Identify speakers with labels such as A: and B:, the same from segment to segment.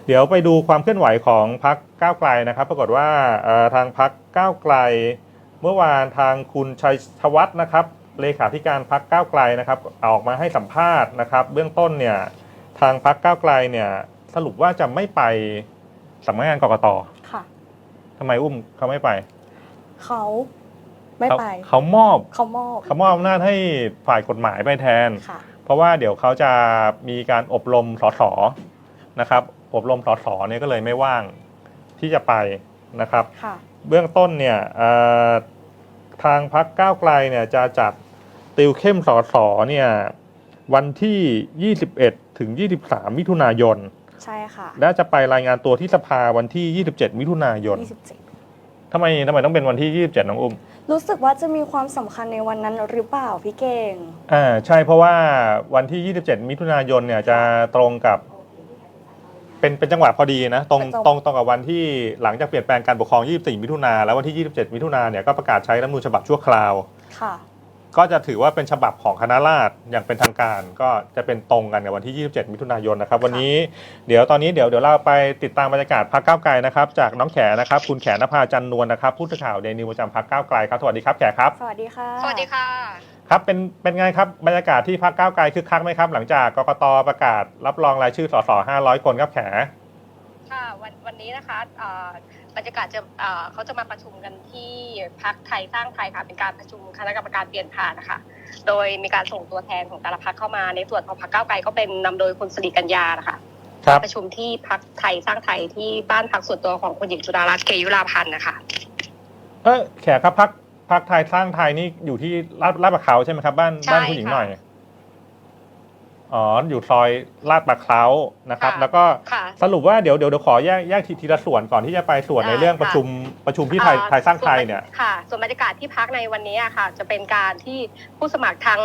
A: เดี๋ยวไปดูความเคลื่อนไหวของพรรคก้าวไกลนะครับปรากฏว่าทางพรรคก้าวไกลเมื่อวานทางคุณชัยธวัฒน์นะครับเลขาธิการพรรคก้าวไกลนะครับออกมาให้สัมภาษณ์นะครับเบื้องต้นเนี่ยทางพรรคก้าวไกลเนี่ยสรุปว่าจะไม่ไปสำนักงานกกต.
B: ค่ะ
A: ทำไมอุ้มเขาไม่ไป
B: เขาไม่ไป
A: เขามอบ
B: อ
A: ำนาจให้ฝ่ายกฎหมายไปแทน
B: ค่ะ
A: เพราะว่าเดี๋ยวเขาจะมีการอบรมสสนะครับอบรมสสเนี่ยก็เลยไม่ว่างที่จะไปนะครับเบื้องต้นเนี่ยทางพรรคก้าวไกลเนี่ยจะจัดติวเข้มสสเนี่ยวันที่21ถึง23มิถุนายน
B: ใช่ค่ะ
A: และจะไปรายงานตัวที่สภาวันที่27มิถุนายนทำไมต้องเป็นวันที่27น้องอุ้ม
B: รู้สึกว่าจะมีความสำคัญในวันนั้นหรือเปล่าพี่เก่ง
A: ใช่เพราะว่าวันที่27มิถุนายนเนี่ยจะตรงกับเป็นจังหวะพอดีนะตรงกับวันที่หลังจากเปลี่ยนแปลงการปกครอง24มิถุนาแล้ววันที่27มิถุนาเนี่ยก็ประกาศใช้รัฐธรรมนูญฉบับชั่วคราว
B: ค่ะ
A: ก็จะถือว่าเป็นฉบับของคณะราษฎรอย่างเป็นทางการก็จะเป็นตรงกันกับวันที่27มิถุนายนนะครับวันนี้เดี๋ยวเราไปติดตามบรรยากาศพรรคก้าวไกลนะครับจากน้องแขนะครับคุณแขนภาจันนวลนะครับผู้สื่อข่าวเดนิวประจำพรรคก้าวไกลครับสวัสดีครับแขครับ
B: สวัสดีค่ะ
C: สวัสดีค่ะ
A: ครับเป็นไงครับบรรยากาศที่พรรคก้าวไกลคึกคักไหมครับหลังจากกกตประกาศรับรองรายชื่อสส500คนครับแข
C: ค่ะวันนี้นะคะบรรยากาศจะเขาจะมาประชุมกันที่พรรคไทยสร้างไทยค่ะเป็นการประชุมคณะกรรมการเปลี่ยนผ่านนะคะโดยมีการส่งตัวแทนของแต่ละพรรคเข้ามาในส่วนของพรรคก้าวไกลก็เป็นนำโดยคุณสิริกัญญานะคะประชุมที่พรรคไทยสร้างไทยที่บ้านพักส่วนตัวของคุณหญิงจุฬารัตน์เกยุราพันธ์นะคะ
A: แขครับพรรคไทยสร้างไทยนี่อยู่ที่ลาดประเขาใช่ไหมครับบ้านคุณหญิงหน่อยอยู่ซอยลาดประเขานะครับแล้วก็สรุปว่าเดี๋ยวขอแยกทีละส่วนก่อนที่จะไปส่วนในเรื่องประชุมที่ไทยสร้างไทยเนี่ย
C: ค่ะส่วนบรรยากาศที่พักในวันนี้ค่ะจะเป็นการที่ผู้สมัครทั้ง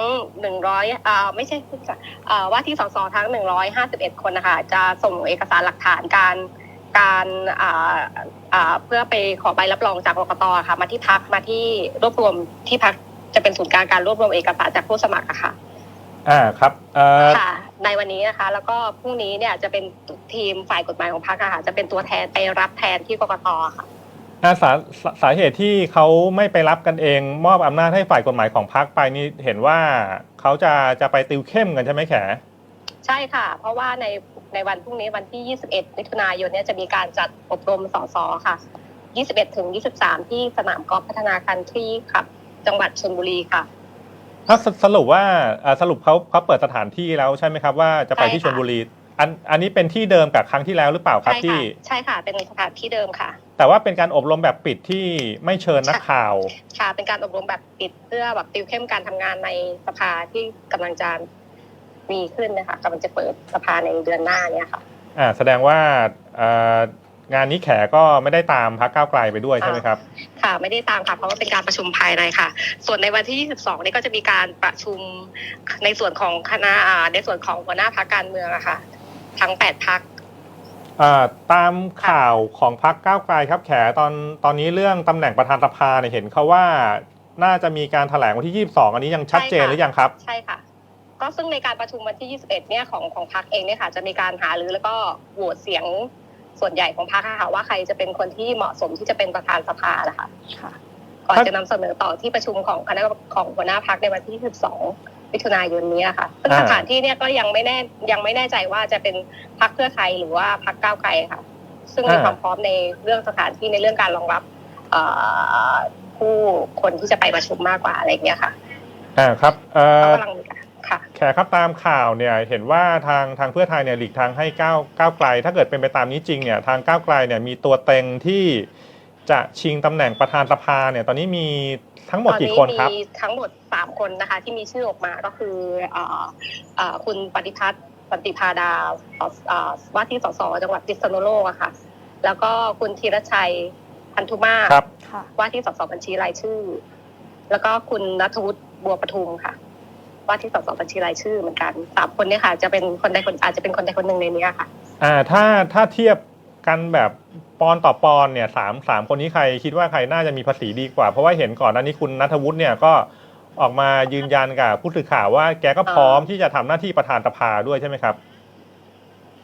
C: 100ไม่ใช่ว่าที่สสทั้ง151คนนะคะจะส่งเอกสารหลักฐานการเพื่อไปขอใบรับรองจากกกต.ค่ะมาที่พักมาที่รวบรวมที่พักจะเป็นศูนย์กลางการรวบรวมเอกสารจากผู้สมัครค่ะ
A: ครับ
C: ค่ะในวันนี้นะคะแล้วก็พรุ่งนี้เนี่ยจะเป็นทีมฝ่ายกฎหมายของพรรคค่ะจะเป็นตัวแทนไปรับแทนที่กกต.ค่ะ
A: สาเหตุที่เขาไม่ไปรับกันเองมอบอำนาจให้ฝ่ายกฎหมายของพรรคไปนี่เห็นว่าเขาจะไปติวเข้มกันใช่ไหมแข
C: ใช่ค่ะเพราะว่าในวันพรุ่งนี้วันที่21มิถุนายนเนี่ยจะมีการจัดอบรมสสค่ะ21ถึง23ที่สนามกอล์ฟพัฒนาคันทรีค่ะจังหวัดชลบุรีค่ะ
A: สรุปว่าสรุปเขาเปิดสถานที่แล้วใช่ไหมครับว่าจะไปที่ชลบุรีอันนี้เป็นที่เดิมกับครั้งที่แล้วหรือเปล่าครับที่
C: ใช่ค่ะเป็นสถานที่เดิมค่ะ
A: แต่ว่าเป็นการอบรมแบบปิดที่ไม่เชิญนักข่าว
C: ค่ะเป็นการอบรมแบบปิดเพื่อแบบติวเข้มการทำงานในสภาที่กำลังจะมีขึ้นนะคะกำลังจะเปิดสภาในเดือนหน้าเนี่ยค่ะ
A: แสดงว่างานนี้แขก็ไม่ได้ตามพรรคก้าวไกลไปด้วยใช่ไหมครับ
C: ค่ะไม่ได้ตามค่ะเพราะว่าเป็นการประชุมภายในค่ะส่วนในวันที่22นี่ก็จะมีการประชุมในส่วนของคณะในส่วนของหัวหน้าพรรคการเมืองอะค่ะทั้ง8พรรค
A: ตามข่าวของพรรคก้าวไกลครับแขตอนนี้เรื่องตำแหน่งประธานสภาเนี่ยเห็นเขาว่าน่าจะมีการแถลงวันที่22อันนี้ยังชัดเจนหรือยังครับ
C: ใช่ค่ะก็ซึ่งในการประชุมวันที่21เนี่ยของพรรคเองเนี่ยค่ะจะมีการหารือแล้วก็โหวตเสียงส่วนใหญ่ของพรรคค่ะว่าใครจะเป็นคนที่เหมาะสมที่จะเป็นประธานสภานะคะก่อนจะนำเสนอต่อที่ประชุมของคณะของหัวหน้าพรรคในวันที่12มิถุนายนนี้ค่ะซึ่งสถานที่เนี่ยก็ยังไม่แน่ใจว่าจะเป็นพรรคเพื่อไทยหรือว่าพรรคก้าวไกลค่ะซึ่งมีความพร้อมในเรื่องสถานที่ในเรื่องการรองรับผู้คนที่จะไปประชุมมากกว่าอะไรอย่างเงี้ยค่ะ
A: ครับ
C: กำลัง
A: แขกครับตามข่าวเนี่ยเห็นว่าทางเพื่อไทยเนี่ยหลีกทางให้ก้าวไกลถ้าเกิดเป็นไปตามนี้จริงเนี่ยทางก้าวไกลเนี่ยมีตัวเต็งที่จะชิงตำแหน่งประธานสภาเนี่ยตอนนี้มีทั้งหมดกี่คนครับ
C: มีทั้งหมด3คนนะคะที่มีชื่อออกมาก็คือคุณปฏิพัฒน์ปฏิภาดาว่าที่สสจังหวัดพิษณุโลกอะค่ะแล้วก็คุณธีรชัยพันธุมาศว่าที่สสบัญชีรายชื่อแล้วก็คุณณัฐวุฒิบัวประทุมค่ะว่าที่สสบัญชีรายชื่อเหมือนกัน3คนเนี่ยค่ะจะเป็นคนใดคนอาจจะเป็นคนใดคนหนึ่งในนี้ค่ะ
A: ถ้าเทียบกันแบบปอนต่อปอนเนี่ยสามคนนี้ใครคิดว่าใครน่าจะมีภาษีดีกว่าเพราะว่าเห็นก่อนหน้านี้คุณณัฐวุฒิเนี่ยก็ออกมายืนยันกับผู้สื่อข่าวว่าแกก็พร้อมที่จะทำหน้าที่ประธานสภาด้วยใช่ไหมครับ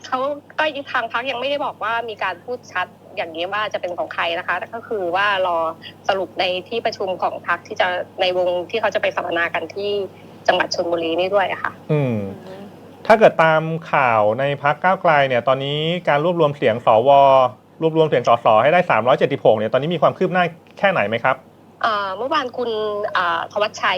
C: เขาก็ทางพรรคยังไม่ได้บอกว่ามีการพูดชัดอย่างนี้ว่าจะเป็นของใครนะคะแต่ก็คือว่ารอสรุปในที่ประชุมของพรรคที่จะในวงที่เขาจะไปสัมมนากันที่จังหวัดชลบุรีนี่ด้วยค่ะ
A: ถ้าเกิดตามข่าวในพรรคก้าวไกลเนี่ยตอนนี้การรวบรวมเสียงสวรวบรวมเสียงสสให้ได้376เนี่ยตอนนี้มีความคืบหน้าแค่ไหนไหมครับ
C: เมื่อวานคุณธวัชชัย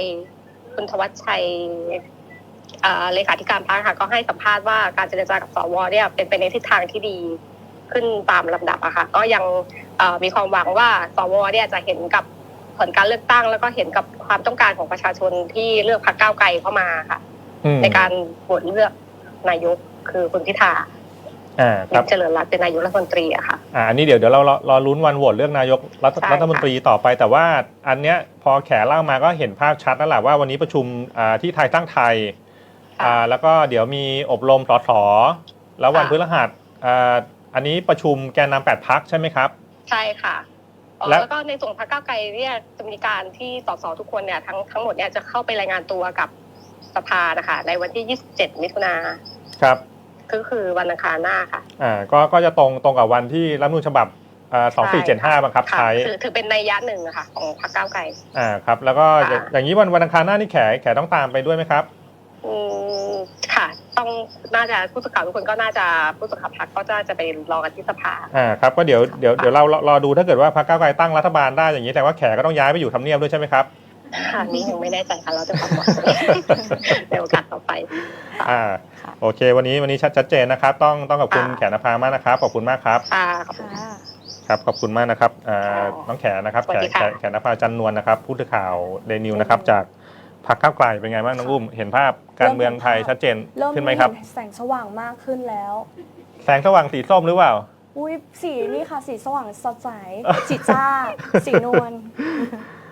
C: เลขาธิการพรรคค่ะก็ให้สัมภาษณ์ว่าการเจรจากับสวเนี่ยเป็นไปในทิศทางที่ดีขึ้นตามลำดับอะค่ะก็ยังมีความหวังว่าสวเนี่ยจะเห็นกับผลการเลือกตั้งแล้วก็เห็นกับความต้องการของประชาชนที่เลือกพรรคก้าวไกลเข้ามาค่ะในการโหวตเลือกนายกคือคุณพิธาเจริญรัตน์เป็นนายกรัฐมนตรีอะค่ะ
A: อันนี้เดี๋ยวเรารอลุ้นวันโหวตเลือกนายกรัฐมนตรีต่อไปแต่ว่าอันเนี้ยพอแขเล่ามาก็เห็นภาพชัดแล้วแหละว่าวันนี้ประชุมที่ไทยตั้งไทยแล้วก็เดี๋ยวมีอบรมสสแล้ววันพฤหัสอันนี้ประชุมแกนนำ8 พรรคใช่ไหมครับ
C: ใช่ค่ะแล้วก็ในส่วนพรรคก้าวไกลเนี่ยจะมีการที่สสทุกคนเนี่ยทั้งหมดเนี่ยจะเข้าไปรายงานตัวกับสภานะคะในวันที่27 มิถุนายน
A: ครับ
C: ก็คือวันอังคารหน้าค่ะ
A: ก็จะตรงกับวันที่รัฐธรรมนูญฉบับ2475บังคับใช้
C: ถือเป็นนัยยะหนึ่งค่ะของพรรคก้าวไกล
A: ครับแล้วก็อย่างนี้วันอังคารหน้านี่แขต้องตามไปด้วยไหมครับ
C: ค่ะต้องน่าจะผู้สื่อข่าวทุกคนก็น่าจะผู้สื่อข่าวพรรคก็จะไปรอกันที่สภา
A: ครับก็เดี๋ยวเรารอดูถ้าเกิดว่าพรรคก้าวไกลตั้งรัฐบาลได้อย่างนี้แต่ว่าแขก็ต้องย้ายไปอยู่ทำเนียบด้วยใช่ไหมครับ
C: นี่ยังไม่แน่ใจค่ะเราจะทำในโอกาสต่อไป
A: โอเควันนี้ชัดเจนนะครับต้องขอบคุณแขนภามากนะครับขอบคุณมากครับครับขอบคุณมากนะครับน้องแขนะครับแขนภาจันนวลนะครับผู้สื่อข่าวเดนิวนะครับจากพรรคก้าวไกลเป็นไงบ้างน้องอุ้มเห็นภาพการเมืองไทยชัดเจนขึ้นไหมครับ
B: แสงสว่างมากขึ้นแล้ว
A: แสงสว่างสีส้มหรือเปล่า
B: สีนี่ค่ะสีสว่างสดใสสีจ้าสีนวล